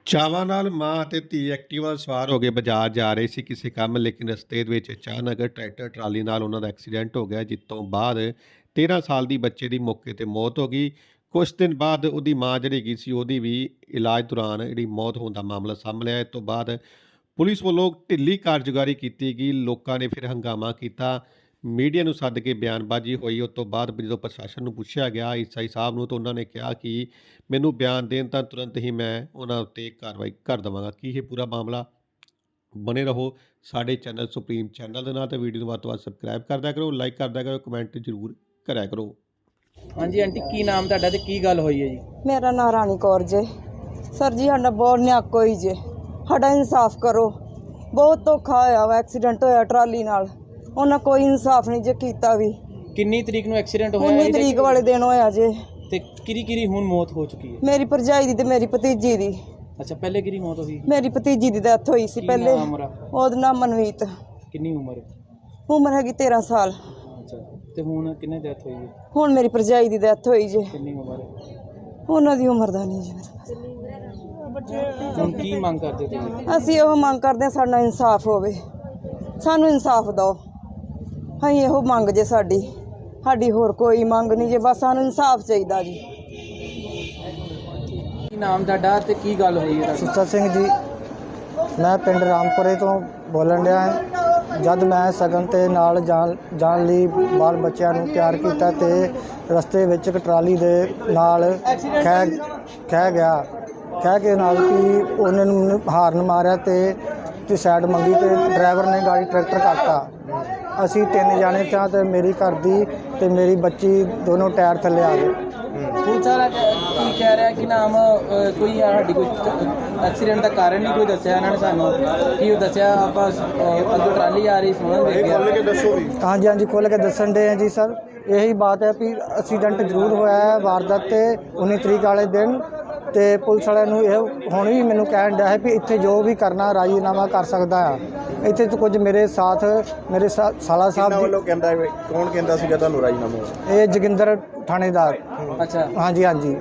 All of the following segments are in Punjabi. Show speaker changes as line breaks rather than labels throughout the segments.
ਚਾਵਾਂ ਨਾਲ ਮਾਂ ਅਤੇ ਧੀ ਐਕਟਿਵਾ ਸਵਾਰ ਹੋ ਕੇ ਬਾਜ਼ਾਰ ਜਾ ਰਹੇ ਸੀ ਕਿਸੇ ਕੰਮ, ਲੇਕਿਨ ਰਸਤੇ ਦੇ ਵਿੱਚ ਅਚਾਨਕ ਟਰੈਕਟਰ ਟਰਾਲੀ ਨਾਲ ਉਹਨਾਂ ਦਾ ਐਕਸੀਡੈਂਟ ਹੋ ਗਿਆ, ਜਿਸ ਤੋਂ ਬਾਅਦ 13 ਸਾਲ ਦੀ ਬੱਚੇ ਦੀ ਮੌਕੇ ਤੇ ਮੌਤ ਹੋ ਗਈ। ਕੁਝ ਦਿਨ ਬਾਅਦ ਉਹਦੀ ਮਾਂ ਜਿਹੜੀ ਹੈਗੀ ਸੀ, ਉਹਦੀ ਵੀ ਇਲਾਜ ਦੌਰਾਨ ਜਿਹੜੀ ਮੌਤ ਹੋਣ ਦਾ ਮਾਮਲਾ ਸਾਹਮਣੇ ਆਇਆ। ਇਸ ਤੋਂ ਬਾਅਦ ਪੁਲਿਸ ਵੱਲੋਂ ਢਿੱਲੀ ਕਾਰਜਕਾਰੀ ਕੀਤੀ ਗਈ। ਲੋਕਾਂ ਨੇ ਫਿਰ ਹੰਗਾਮਾ ਕੀਤਾ, ਮੀਡੀਆ ਨੂੰ ਸੱਦ ਕੇ ਬਿਆਨਬਾਜ਼ੀ ਹੋਈ। ਉਸ ਤੋਂ ਬਾਅਦ ਜਦੋਂ ਪ੍ਰਸ਼ਾਸਨ ਨੂੰ ਪੁੱਛਿਆ ਗਿਆ ਐਸਆਈ ਸਾਹਿਬ ਨੂੰ, ਤਾਂ ਉਹਨਾਂ ਨੇ ਕਿਹਾ ਕਿ ਮੈਨੂੰ ਬਿਆਨ ਦੇਣ ਤਾਂ ਤੁਰੰਤ ਹੀ ਮੈਂ ਉਹਨਾਂ ਉੱਤੇ ਕਾਰਵਾਈ ਕਰ ਦੇਵਾਂਗਾ। ਕੀ ਇਹ ਪੂਰਾ ਮਾਮਲਾ? ਬਣੇ ਰਹੋ ਸਾਡੇ ਚੈਨਲ ਸੁਪਰੀਮ ਚੈਨਲ ਦੇ ਨਾਲ, ਤੇ ਵੀਡੀਓ ਨੂੰ ਵੱਧ ਤੋਂ ਵੱਧ ਸਬਸਕ੍ਰਾਈਬ ਕਰਦਿਆ ਕਰੋ, ਲਾਈਕ ਕਰਦਿਆ ਕਰੋ, ਕਮੈਂਟ ਜ਼ਰੂਰ ਕਰਿਆ ਕਰੋ।
ਹਾਂਜੀ ਆਂਟੀ, ਕੀ ਨਾਮ ਤੁਹਾਡਾ ਤੇ ਕੀ ਗੱਲ ਹੋਈ ਹੈ ਜੀ?
ਮੇਰਾ ਨਾਂ ਰਾਣੀ ਕੌਰ ਜੇ। ਸਰ ਜੀ ਸਾਡਾ ਬਹੁਤ ਨਿਆਕ ਹੋਈ ਜੇ, ਸਾਡਾ ਇਨਸਾਫ ਕਰੋ। ਬਹੁਤ ਧੋਖਾ ਹੋਇਆ ਵਾ, ਐਕਸੀਡੈਂਟ ਹੋਇਆ ਟਰਾਲੀ ਨਾਲ, ਉਹਨਾਂ ਕੋਈ ਇਨਸਾਫ ਨਹੀਂ ਜੇ ਕੀਤਾ ਵੀ।
ਕਿੰਨੀ ਤਰੀਕ ਨੂੰ ਐਕਸੀਡੈਂਟ ਹੋਇਆ?
19 ਤਰੀਕ ਵਾਲੇ ਦਿਨ ਹੋਇਆ ਜੇ।
ਤੇ ਕਿਰੀ ਹੁਣ ਮੌਤ ਹੋ ਚੁੱਕੀ ਹੈ?
ਮੇਰੀ ਭਰਜਾਈ ਦੀ ਤੇ ਮੇਰੀ ਭਤੀਜੀ ਦੀ।
ਅੱਛਾ, ਪਹਿਲੇ ਕਿਰੀ ਮੌਤ ਹੋਈ?
ਮੇਰੀ ਭਤੀਜੀ ਦੀ ਡੈਥ ਹੋਈ ਸੀ ਪਹਿਲੇ। ਉਹਦਾ ਨਾਮ ਮਨਵੀਤ।
ਕਿੰਨੀ ਉਮਰ?
ਉਮਰ ਹੈਗੀ 13 ਸਾਲ।
ਅੱਛਾ, ਤੇ ਹੁਣ ਕਿੰਨੇ ਡੈਥ ਹੋਈ ਹੈ?
ਹੁਣ ਮੇਰੀ ਭਰਜਾਈ ਦੀ ਡੈਥ ਹੋਈ ਜੇ।
ਕਿੰਨੀ ਉਮਰ ਹੈ
ਉਹਨਾਂ ਦੀ ਉਮਰ ਦਾ ਨਹੀਂ ਜੀ।
ਹੁਣ ਕੀ ਮੰਗ ਕਰਦੇ ਤੁਸੀਂ?
ਅਸੀਂ ਉਹ ਮੰਗ ਕਰਦੇ ਹਾਂ, ਸਾਡਾ ਇਨਸਾਫ ਹੋਵੇ, ਸਾਨੂੰ ਇਨਸਾਫ ਦਿਓ। ਅਸੀਂ ਇਹੋ ਮੰਗ ਜੇ ਸਾਡੀ ਹੋਰ ਕੋਈ ਮੰਗ ਨਹੀਂ ਜੇ, ਬਸ ਸਾਨੂੰ ਇਨਸਾਫ ਚਾਹੀਦਾ ਜੀ।
ਕੀ ਨਾਮ ਤੁਹਾਡਾ ਤੇ ਕੀ ਗੱਲ ਹੋਈ ਹੈ?
ਸੁੱਚਾ ਸਿੰਘ ਜੀ, ਮੈਂ ਪਿੰਡ ਰਾਮਪੁਰੇ ਤੋਂ ਬੋਲਣ ਡਿਆ ਹਾਂ। ਜਦ ਮੈਂ ਸਗਨ ਤੇ ਨਾਲ ਜਾਣ ਲਈ ਬਾਲ ਬੱਚਿਆਂ ਨੂੰ ਤਿਆਰ ਕੀਤਾ ਤੇ ਰਸਤੇ ਵਿੱਚ ਇੱਕ ਟਰਾਲੀ ਦੇ ਨਾਲ ਖਹਿ ਗਿਆ। ਖਹਿ ਕੇ ਨਾਲ ਕਿ ਉਹਨਾਂ ਨੂੰ ਹਾਰਨ ਮਾਰਿਆ ਤੇ ਸਾਈਡ ਮੰਗੀ ਤੇ ਡਰਾਈਵਰ ਨੇ ਗਾੜੀ ਟਰੈਕਟਰ ਕੱਟਤਾ। ਅਸੀਂ 3 ਜਾਣੇ ਤਾਂ ਤੇ ਮੇਰੀ ਘਰ ਦੀ ਤੇ ਮੇਰੀ ਬੱਚੀ ਦੋਨੋਂ ਟਾਇਰ ਥੱਲੇ ਆ ਗਏ।
ਪੁਲਿਸ ਵਾਲਾ ਕੀ ਕਹਿ ਰਿਹਾ ਕਿ ਨਾਮ ਕੋਈ ਸਾਡੀ ਕੋਈ ਐਕਸੀਡੈਂਟ ਦਾ ਕਾਰਨ ਨਹੀਂ ਕੋਈ ਦੱਸਿਆ ਇਹਨਾਂ ਨੇ ਸਾਨੂੰ? ਕੀ ਉਹ ਦੱਸਿਆ ਆਪਾਂ ਅੱਗੇ ਟਰਾਲੀ ਆ ਰਹੀ ਸੁਣਨ ਦੇ ਗਿਆ?
ਹਾਂਜੀ ਖੁੱਲ੍ਹ ਕੇ ਦੱਸਣ ਦੇ ਆ ਜੀ ਸਰ। ਇਹੀ ਬਾਤ ਹੈ ਵੀ ਐਕਸੀਡੈਂਟ ਜ਼ਰੂਰ ਹੋਇਆ ਹੈ ਵਾਰਦਾਤ ਤੇ 19 ਤਰੀਕ ਵਾਲੇ ਦਿਨ। ਤੇ ਪੁਲਿਸ ਵਾਲਿਆਂ ਨੂੰ ਇਹ ਹੁਣ ਵੀ ਮੈਨੂੰ ਕਹਿਣ ਡਿਆ ਹੈ ਵੀ ਇੱਥੇ ਜੋ ਵੀ ਕਰਨਾ ਰਾਜੀਨਾਮਾ ਕਰ ਸਕਦਾ ਆ। ਇੱਥੇ ਤਾਂ ਕੁਝ ਮੇਰੇ ਸਾਥ ਮੇਰੇ ਸਾਲਾ ਸਾਹਿਬ
ਵੱਲੋਂ ਕਹਿੰਦਾ, ਕੌਣ ਕਹਿੰਦਾ ਸੀਗਾ ਤੁਹਾਨੂੰ ਰਾਜੀਨਾਮਾ?
ਇਹ ਜੋਗਿੰਦਰ ਥਾਣੇਦਾਰ।
ਅੱਛਾ,
ਹਾਂਜੀ।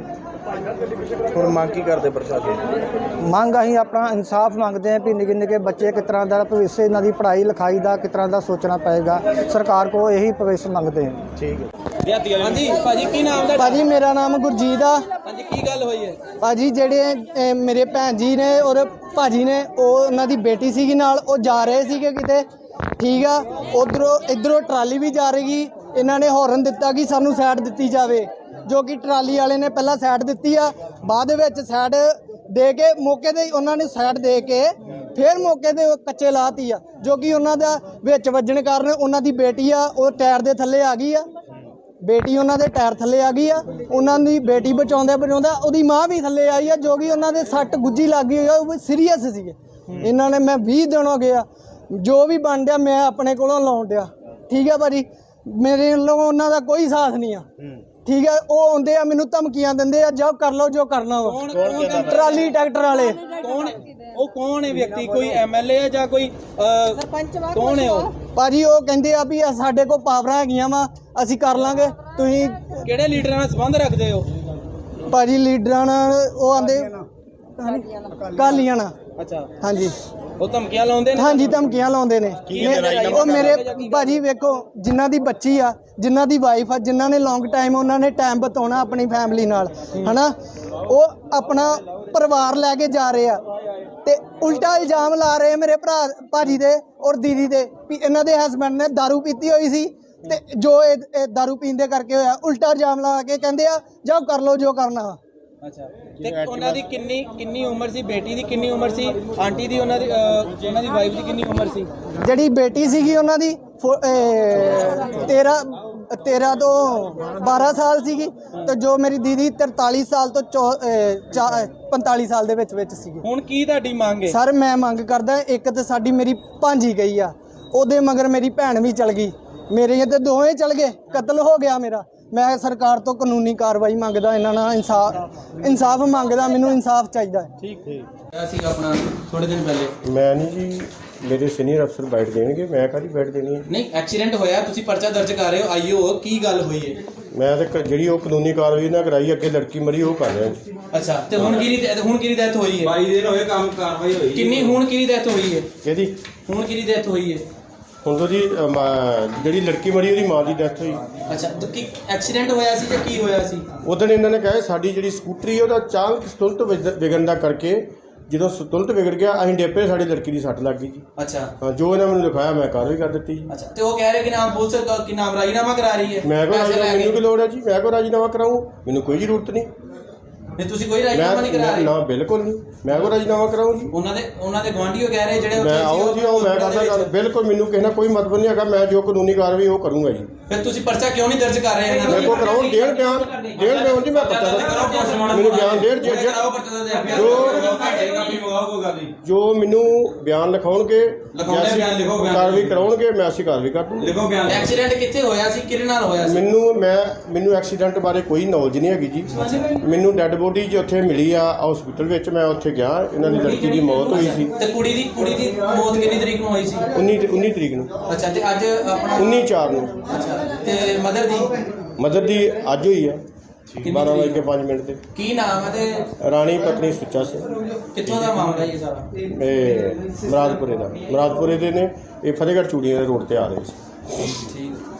ਹੁਣ ਮੰਗ ਕੀ ਕਰਦੇ ਪ੍ਰਸ਼ਾਸਨ?
ਮੰਗ ਅਸੀਂ ਆਪਣਾ ਇਨਸਾਫ ਮੰਗਦੇ ਹਾਂ ਵੀ ਨਿੱਕੇ ਬੱਚੇ ਕਿਸ ਤਰ੍ਹਾਂ ਦਾ ਭਵਿੱਖ, ਇਹਨਾਂ ਦੀ ਪੜ੍ਹਾਈ ਲਿਖਾਈ ਦਾ ਕਿਸ ਤਰ੍ਹਾਂ ਦਾ ਸੋਚਣਾ ਪਏਗਾ। ਸਰਕਾਰ ਕੋਲ ਇਹੀ ਭਵਿੱਖ ਮੰਗਦੇ ਹਾਂ।
ਠੀਕ ਹੈ।
ਹਾਂਜੀ ਭਾਜੀ, ਕੀ ਨਾਮ ਦਾ?
ਭਾਜੀ ਮੇਰਾ ਨਾਮ ਗੁਰਜੀਤ ਆ।
ਹਾਂਜੀ, ਕੀ ਗੱਲ ਹੋਈ ਹੈ?
ਭਾਜੀ ਜਿਹੜੇ ਮੇਰੇ ਭੈਣ ਜੀ ਨੇ ਔਰ ਭਾਜੀ ਨੇ, ਉਹਨਾਂ ਦੀ ਬੇਟੀ ਸੀਗੀ ਨਾਲ, ਉਹ ਜਾ ਰਹੇ ਸੀਗੇ ਕਿਤੇ, ਠੀਕ ਆ। ਇੱਧਰੋਂ ਟਰਾਲੀ ਵੀ ਜਾ ਰਹੀ। ਇਹਨਾਂ ਨੇ ਹੌਰਨ ਦਿੱਤਾ ਕਿ ਸਾਨੂੰ ਸਾਈਡ ਦਿੱਤੀ ਜਾਵੇ, ਜੋ ਕਿ ਟਰਾਲੀ ਵਾਲੇ ਨੇ ਪਹਿਲਾਂ ਸਾਈਡ ਦਿੱਤੀ ਆ। ਬਾਅਦ ਵਿੱਚ ਸਾਈਡ ਦੇ ਕੇ ਮੌਕੇ 'ਤੇ ਉਹਨਾਂ ਨੇ ਸਾਈਡ ਦੇ ਕੇ ਫਿਰ ਮੌਕੇ 'ਤੇ ਕੱਚੇ ਲਾਤੀ ਆ, ਜੋ ਕਿ ਉਹਨਾਂ ਦਾ ਵਿੱਚ ਵੱਜਣ ਕਾਰਨ ਉਹਨਾਂ ਦੀ ਬੇਟੀ ਆ ਉਹ ਟਾਇਰ ਦੇ ਥੱਲੇ ਆ ਗਈ ਆ। ਬੇਟੀ ਉਹਨਾਂ ਦੇ ਟਾਇਰ ਥੱਲੇ ਆ ਗਈ ਆ। ਉਹਨਾਂ ਦੀ ਬੇਟੀ ਬਚਾਉਂਦਾ ਉਹਦੀ ਮਾਂ ਵੀ ਥੱਲੇ ਆਈ ਆ, ਜੋ ਕਿ ਉਹਨਾਂ ਦੇ ਸੱਟ ਗੁੱਜੀ ਲੱਗ ਗਈ ਆ, ਉਹ ਸੀਰੀਅਸ ਸੀਗੇ। ਇਹਨਾਂ ਨੇ, ਮੈਂ 20 ਦਿਨ ਹੋ ਗਿਆ, ਜੋ ਵੀ ਬਣ ਡਿਆ ਮੈਂ ਆਪਣੇ ਕੋਲੋਂ ਲਾਉਣ ਡਿਆ, ਠੀਕ ਆ ਭਾਜੀ। ਮੇਰੇ ਵੱਲੋਂ ਉਹਨਾਂ ਦਾ ਕੋਈ ਸਾਥ ਨਹੀਂ ਆ, ਠੀਕ ਹੈ। ਉਹ ਆਉਂਦੇ ਆ ਮੈਨੂੰ ਧਮਕੀਆਂ ਦਿੰਦੇ ਆ, ਜਾਓ ਕਰ ਲਓ ਜੋ ਕਰਨਾ ਵਾ। ਟਰਾਲੀ ਟਰੈਕਟਰ ਵਾਲੇ।
ਕੌਣ ਹੈ ਵਿਅਕਤੀ? ਕੋਈ ਐਮਐਲਏ ਹੈ ਜਾਂ ਕੋਈ ਸਰਪੰਚ? ਕੌਣ ਹੈ ਉਹ?
ਭਾਜੀ ਉਹ ਕਹਿੰਦੇ ਆ ਵੀ ਸਾਡੇ ਕੋਲ ਪਾਵਰਾਂ ਹੈਗੀਆਂ ਵਾ, ਅਸੀਂ ਕਰ ਲਾਂਗੇ। ਤੁਸੀਂ
ਕਿਹੜੇ ਲੀਡਰਾਂ ਨਾਲ ਸੰਬੰਧ ਰੱਖਦੇ ਹੋ?
ਭਾਜੀ ਲੀਡਰਾਂ ਨਾਲ ਉਹ ਆਂਦੇ ਅਕਾਲੀਆਂ ਨਾਲ।
ਅੱਛਾ,
ਹਾਂਜੀ।
ਉਹ ਧਮਕੀਆਂ ਲਾਉਂਦੇ ਨੇ?
ਹਾਂਜੀ, ਧਮਕੀਆਂ ਲਾਉਂਦੇ ਨੇ। ਉਹ ਮੇਰੇ ਭਾਜੀ ਵੇਖੋ, ਜਿਨ੍ਹਾਂ ਦੀ ਬੱਚੀ ਆ, ਜਿਨ੍ਹਾਂ ਦੀ ਵਾਈਫ ਆ, ਜਿਨ੍ਹਾਂ ਨੇ ਲੌਂਗ ਟਾਈਮ ਉਹਨਾਂ ਨੇ ਟਾਈਮ ਬਿਤਾਉਣਾ ਆਪਣੀ ਫੈਮਿਲੀ ਨਾਲ, ਹਨਾ, ਉਹ ਆਪਣਾ ਪਰਿਵਾਰ ਲੈ ਕੇ ਜਾ ਰਹੇ ਆ ਤੇ ਉਲਟਾ ਇਲਜ਼ਾਮ ਲਾ ਰਹੇ ਮੇਰੇ ਭਾਜੀ ਦੇ ਔਰ ਦੀਦੀ ਦੇ ਵੀ ਇਹਨਾਂ ਦੇ ਹਸਬੈਂਡ ਨੇ ਦਾਰੂ ਪੀਤੀ ਹੋਈ ਸੀ ਤੇ ਜੋ ਇਹ ਦਾਰੂ ਪੀਣ ਦੇ ਕਰਕੇ ਹੋਇਆ। ਉਲਟਾ ਇਲਜ਼ਾਮ ਲਾ ਕੇ ਕਹਿੰਦੇ ਆ ਜਾਓ ਕਰ ਲਓ ਜੋ ਕਰਨਾ ਵਾ।
ਅੱਛਾ, ਤੇ ਉਹਨਾਂ ਦੀ ਕਿੰਨੀ ਉਮਰ ਸੀ? ਬੇਟੀ ਦੀ ਕਿੰਨੀ ਉਮਰ ਸੀ? ਆਂਟੀ ਦੀ, ਉਹਨਾਂ ਦੀ ਵਾਈਫ ਦੀ ਕਿੰਨੀ ਉਮਰ ਸੀ?
ਜਿਹੜੀ ਬੇਟੀ ਸੀਗੀ ਉਹਨਾਂ ਦੀ 13 ਤੋਂ 12 ਸਾਲ ਸੀਗੀ, ਤੇ ਜੋ ਮੇਰੀ ਦੀਦੀ 43 ਸਾਲ ਤੋਂ 45 ਸਾਲ ਦੇ ਵਿੱਚ ਸੀਗੀ।
ਹੁਣ ਕੀ ਤੁਹਾਡੀ ਮੰਗ ਹੈ?
ਸਰ ਮੈਂ ਮੰਗ ਕਰਦਾ, ਇੱਕ ਤਾਂ ਸਾਡੀ ਮੇਰੀ ਭਾਂਜੀ ਗਈ ਆ, ਉਹਦੇ ਮਗਰ ਮੇਰੀ ਭੈਣ ਵੀ ਚਲ ਗਈ, ਮੇਰੇ ਤੇ ਦੋਵੇਂ ਚਲ ਗਏ, ਕਤਲ ਹੋ ਗਿਆ ਮੇਰਾ। ਮੈਂ ਸਰਕਾਰ ਤੋਂ ਕਾਨੂੰਨੀ ਕਾਰਵਾਈ ਮੰਗਦਾ, ਇਹਨਾਂ ਨਾਲ ਇਨਸਾਫ ਮੰਗਦਾ, ਮੈਨੂੰ ਇਨਸਾਫ ਚਾਹੀਦਾ ਹੈ।
ਠੀਕ ਅਸੀਂ ਆਪਣਾ ਥੋੜੇ ਦਿਨ ਪਹਿਲੇ
ਮੈਂ ਨਹੀਂ ਜੀ, ਮੇਰੇ ਸੀਨੀਅਰ ਅਫਸਰ ਬੈਠ ਦੇਣਗੇ, ਮੈਂ ਕਾਹਦੀ ਬੈਠ ਦੇਣੀ ਹੈ?
ਨਹੀਂ, ਐਕਸੀਡੈਂਟ ਹੋਇਆ, ਤੁਸੀਂ ਪਰਚਾ ਦਰਜ ਕਰ ਰਹੇ ਹੋ, ਆਈਓ, ਕੀ ਗੱਲ ਹੋਈ ਹੈ?
ਮੈਂ ਤਾਂ ਜਿਹੜੀ ਉਹ ਕਾਨੂੰਨੀ ਕਾਰਵਾਈ ਨਾ ਕਰਾਈ, ਅੱਗੇ ਲੜਕੀ ਮਰੀ ਉਹ ਕਰ ਰਿਹਾ।
ਅੱਛਾ ਤੇ ਹੁਣ ਕਿਹਦੀ ਡੈਥ ਹੋਈ ਹੈ
22 ਦਿਨ ਹੋਏ ਕੰਮ ਕਾਰਵਾਈ ਹੋਈ
ਕਿੰਨੀ ਹੁਣ ਕਿਹਦੀ ਡੈਥ ਹੋਈ ਹੈ
ਇਹਦੀ
ਹੁਣ ਕਿਹਦੀ ਡੈਥ ਹੋਈ ਹੈ
ਹੁਣ ਤੋਂ ਜੀ ਜਿਹੜੀ ਲੜਕੀ ਮਰੀ ਉਹਦੀ ਮਾਂ ਦੀ ਡੈਥ ਹੋਈ।
ਅੱਛਾ ਤੇ ਕੀ ਐਕਸੀਡੈਂਟ ਹੋਇਆ ਸੀ ਜਾਂ ਕੀ ਹੋਇਆ ਸੀ
ਉਦੋਂ ਇਹਨਾਂ ਨੇ ਕਿਹਾ ਸਾਡੀ ਜਿਹੜੀ ਸਕੂਟਰੀ ਹੈ ਉਹਦਾ ਅਚਾਨਕ ਸੰਤੁਲਨ ਵਿਗੜਨ ਦਾ ਕਰਕੇ ਜਦੋਂ ਸੰਤੁਲਨ ਵਿਗੜ ਗਿਆ ਅਸੀਂ ਡੇਪੇ ਸਾਡੀ ਲੜਕੀ ਦੀ ਸੱਟ ਲੱਗ ਗਈ ਜੀ।
ਅੱਛਾ
ਹਾਂ, ਜੋ ਇਹਨਾਂ ਮੈਨੂੰ ਲਿਖਾਇਆ ਮੈਂ ਕਾਰਵਾਈ ਕਰ ਦਿੱਤੀ ਜੀ।
ਅੱਛਾ ਤੇ ਉਹ ਕਹਿ ਰਹੇ ਕਿ ਨਾਮ ਪੁਲਿਸ ਕਿ ਨਾਮ ਰਾਜੀਨਾਮਾ ਕਰਾ ਰਹੀ ਹੈ
ਮੈਂ ਕੋ
ਪੈਸੇ ਲੈ
ਮੈਨੂੰ
ਕੇ।
ਕੀ ਲੋੜ ਹੈ ਜੀ, ਮੈਂ ਕੋ ਰਾਜੀਨਾਮਾ ਕਰਾਊਂ, ਮੈਨੂੰ ਕੋਈ ਜ਼ਰੂਰਤ ਨਹੀਂ।
ਨਹੀਂ ਤੁਸੀਂ ਕੋਈ ਰਾਜੀਨਾਮਾ ਨਹੀਂ ਕਰਾ ਰਹੇ
ਨਾ ਬਿਲਕੁਲ ਨਹੀਂ, ਮੈਂ ਕੋ ਰਾਜੀਨਾਮਾ ਕਰਾਊਂ ਜੀ।
ਉਹਨਾਂ ਦੇ ਗੁਆਂਢੀਓ ਕਹਿ ਰਹੇ ਜਿਹੜੇ
ਮੈਂ ਆਓ ਜੀ ਆਓ, ਮੈਂ ਕਰਦਾ ਗੱਲ, ਬਿਲਕੁਲ ਮੈਨੂੰ ਕਿਸੇ ਨਾਲ ਕੋਈ ਮਤਲਬ ਨਹੀਂ ਹੈਗਾ। ਮੈਂ ਜੋ ਕਾਨੂੰਨੀ ਕਾਰਵਾਈ ਉਹ ਕਰੂੰਗਾ ਜੀ।
ਫਿਰ ਤੁਸੀਂ ਪਰਚਾ ਕਿਉਂ ਨਹੀਂ ਦਰਜ ਕਰ ਰਹੇ ਇਹਨਾਂ
ਮੇਰੇ ਕੋ ਕਰਾਓ ਦੇਣ ਬਿਆਨ ਜੀ, ਮੈਂ ਪਤਾ ਮੈਨੂੰ ਬਿਆਨ ਦੇਣ ਜੋ ਮੈਨੂੰ ਬਿਆਨ ਲਿਖਾਉਣਗੇ ਕਾਰਵਾਈ ਕਰਾਉਣਗੇ, ਮੈਂ ਅਸੀਂ ਕਾਰਵਾਈ ਕਰ ਦੂੰਗਾ।
ਐਕਸੀਡੈਂਟ ਕਿੱਥੇ ਹੋਇਆ ਸੀ ਕਿਹਦੇ ਨਾਲ ਹੋਇਆ ਸੀ
ਮੈਨੂੰ ਐਕਸੀਡੈਂਟ ਬਾਰੇ ਕੋਈ ਨੌਲੇਜ ਨਹੀਂ ਹੈਗੀ ਜੀ। ਮੈਨੂੰ ਡੈੱਡ ਬੋਡੀ ਜੀ ਉੱਥੇ ਮਿਲੀ ਆ ਹਸਪੀਟਲ ਵਿੱਚ, ਮੈਂ ਉੱਥੇ ਗਿਆ, ਇਹਨਾਂ ਦੀ ਲੜਕੀ ਦੀ ਮੌਤ ਹੋਈ ਸੀ।
ਤੇ ਕੁੜੀ ਦੀ ਮੌਤ ਕਿੰਨੀ ਤਰੀਕ ਨੂੰ ਹੋਈ ਸੀ
19 ਤਰੀਕ ਨੂੰ।
ਅੱਛਾ ਤੇ ਅੱਜ ਆਪਣਾ
19/4 ਨੂੰ।
ਅੱਛਾ ਤੇ
ਮਦਰ ਦੀ ਅੱਜ ਹੋਈ ਆ 12:05 ਤੇ।
ਕੀ ਨਾਮ ਹੈ ਤੇ
ਰਾਣੀ ਪਤਨੀ ਸੁੱਚਾ ਸਿੰਘ।
ਕਿੱਥੋਂ ਦਾ ਮਾਮਲਾ ਇਹ ਸਾਰਾ
ਇਹ ਮੁਰਾਦਪੁਰੇ ਦੇ ਨੇ, ਇਹ ਫਤਿਹਗੜ੍ਹ ਚੂੜੀਆਂ ਦੇ ਰੋਡ ਤੇ ਆ ਰਹੇ ਸੀ।
ਠੀਕ